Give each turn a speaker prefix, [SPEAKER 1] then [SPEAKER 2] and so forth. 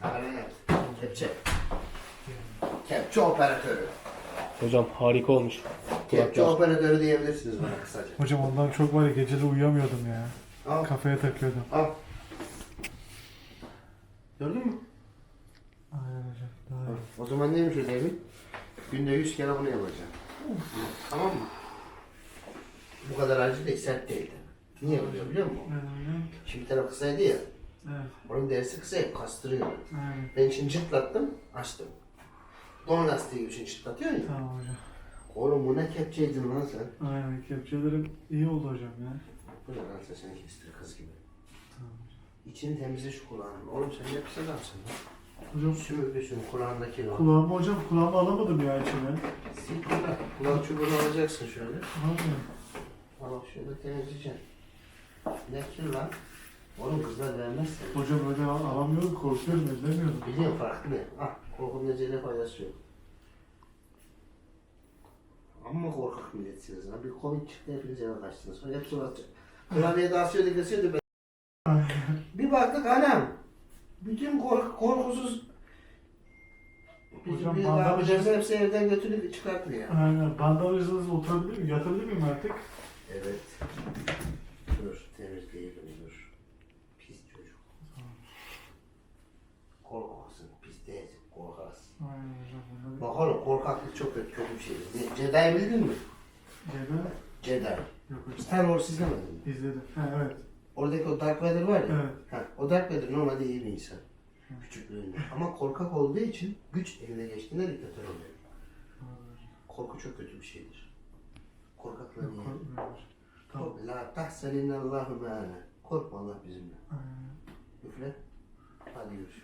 [SPEAKER 1] Aynen. Kepçe. Kepçe operatörü.
[SPEAKER 2] Hocam harika olmuş.
[SPEAKER 1] Kepçe
[SPEAKER 2] Kulaklar.
[SPEAKER 1] operatörü diyebilirsiniz bana kısaca.
[SPEAKER 3] Hocam ondan çok var ya, geceleri uyuyamıyordum ya.
[SPEAKER 1] Al.
[SPEAKER 3] Kafaya takıyordum.
[SPEAKER 1] Al. Gördün mü?
[SPEAKER 3] Aynen hocam. Daha iyi.
[SPEAKER 1] O zaman neymiş ödevi? Günde 100 kere bunu yapacağım. Tamam mı? Bu kadar acı değil, sert değil. Niye oluyor biliyor musun?
[SPEAKER 3] Aynen.
[SPEAKER 1] Şimdi taraf kısaydı ya.
[SPEAKER 3] Evet.
[SPEAKER 1] Onun derisi kısa ya, kastırıyor.
[SPEAKER 3] Aynen.
[SPEAKER 1] Ben şimdi çıtlattım, açtım. Don lastiği gibi şimdi çıtlatıyor ya.
[SPEAKER 3] Tamam hocam.
[SPEAKER 1] Oğlum bu ne kepçeydin lan sen?
[SPEAKER 3] Aynen. Kepçelerim iyi oldu hocam ya.
[SPEAKER 1] Bu ne lan sen seni kestir kız gibi.
[SPEAKER 3] Tamam.
[SPEAKER 1] İçini temizle şu kulağının. Oğlum sen ne pis adamsın lan.
[SPEAKER 3] Hocam
[SPEAKER 1] Sümüklüsün kulağındaki lan.
[SPEAKER 3] kulağımı hocam, kulağımı alamadım ya içine.
[SPEAKER 1] Sil kulak. Kulak çubuğunu alacaksın şöyle.
[SPEAKER 3] Aynen.
[SPEAKER 1] Al şöyle temizleyeceksin. Ne kir lan? Oğlum kızlar vermez seni.
[SPEAKER 3] Hocam öyle alamıyorum, korkuyorum, edemiyorum.
[SPEAKER 1] Biliyorum farklı ne? Ah korkunun necele faydası yok. Amma korkak milletsiniz lan. Bir Covid çıktı hepiniz eve kaçtınız. Sonra hepsi batacak. Klavye dağıtıyordu kesiyordu. Bir baktık anam. Bütün korkusuz
[SPEAKER 3] Hocam,
[SPEAKER 1] bir
[SPEAKER 3] bandaj-
[SPEAKER 1] yapacağız hepsi evden götürüp çıkartmıyor.
[SPEAKER 3] Aynen. Bandajınızla oturabilir miyim? Yatabilir miyim artık?
[SPEAKER 1] Evet. Dur temizleyelim dur. Pis çocuk. Korkaksın pis değilsin korkarsın.
[SPEAKER 3] Aynen hocam. Bunları...
[SPEAKER 1] Bak oğlum korkaklık çok kötü bir şeydir. Jedi'yi bildin mi?
[SPEAKER 3] Cebe?
[SPEAKER 1] Jedi.
[SPEAKER 3] Yok hocam.
[SPEAKER 1] Star Wars izlemedin mi?
[SPEAKER 3] İzledim. Ha evet.
[SPEAKER 1] Oradaki o Darth Vader var ya.
[SPEAKER 3] Evet.
[SPEAKER 1] Ha, o Darth Vader normalde iyi bir insan. Küçüklüğünde. Ama korkak olduğu için güç eline geçtiğinde diktatör oluyor. Korku çok kötü bir şeydir. Korkaklığın
[SPEAKER 3] Yok,
[SPEAKER 1] iyi.
[SPEAKER 3] korkmuyorum hocam. Tamam.
[SPEAKER 1] Kork, la tahseninallahu me'ana. Korkma Allah bizimle.
[SPEAKER 3] Aynen.
[SPEAKER 1] Üfle. Hadi görüşürüz.